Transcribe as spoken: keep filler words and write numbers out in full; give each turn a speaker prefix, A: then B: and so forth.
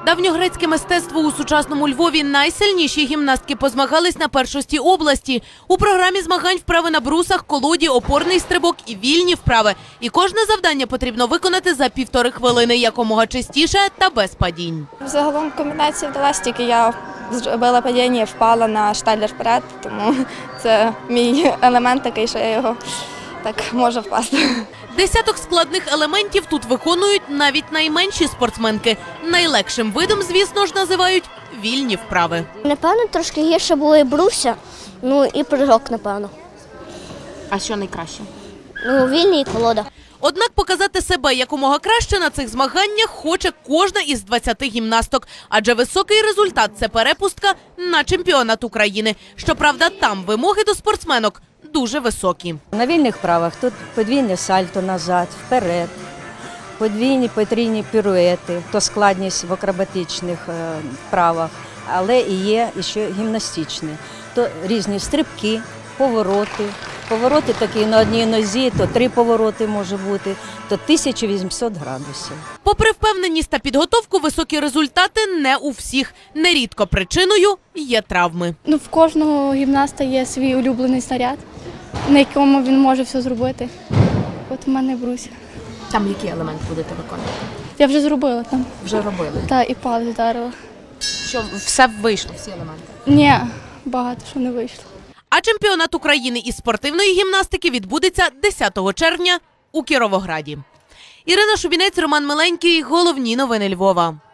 A: Давньогрецьке мистецтво у сучасному Львові. Найсильніші гімнастки позмагались на першості області. У програмі змагань вправи на брусах, колоді, опорний стрибок і вільні вправи. І кожне завдання потрібно виконати за півтори хвилини, якомога частіше та без падінь.
B: Загалом комбінація вдалася, тільки я зробила падіння і впала на штайлер вперед, тому це мій елемент такий, що я його так можу впасти.
A: Десяток складних елементів тут виконують навіть найменші спортсменки. Найлегшим видом, звісно ж, називають вільні вправи.
C: Напевно, трошки гірше були бруся, ну і прыжок, напевно.
A: А що найкраще?
C: Ну, вільні і колода.
A: Однак показати себе якомога краще на цих змаганнях хоче кожна із двадцяти гімнасток. Адже високий результат – це перепустка на чемпіонат України. Щоправда, там вимоги до спортсменок дуже високі.
D: На вільних вправах тут подвійне сальто назад, вперед, подвійні потрійні піруети, то складність в акробатичних вправах, але і є ще гімнастичні. То різні стрибки, повороти. Повороти такі на одній нозі, то три повороти може бути, то тисяча вісімсот градусів.
A: Попри впевненість та підготовку, високі результати не у всіх. Нерідко причиною є травми.
E: Ну, в кожного гімнаста є свій улюблений снаряд, на якому він може все зробити. От у мене бруся.
A: Там який елемент будете виконувати?
E: Я вже зробила там.
A: Вже робили.
E: Та і палець вдарила.
A: Що все вийшло, всі елементи?
E: Ні, багато що не вийшло.
A: А чемпіонат України із спортивної гімнастики відбудеться десятого червня у Кіровограді. Ірина Шубінець, Роман Миленький. Головні новини Львова.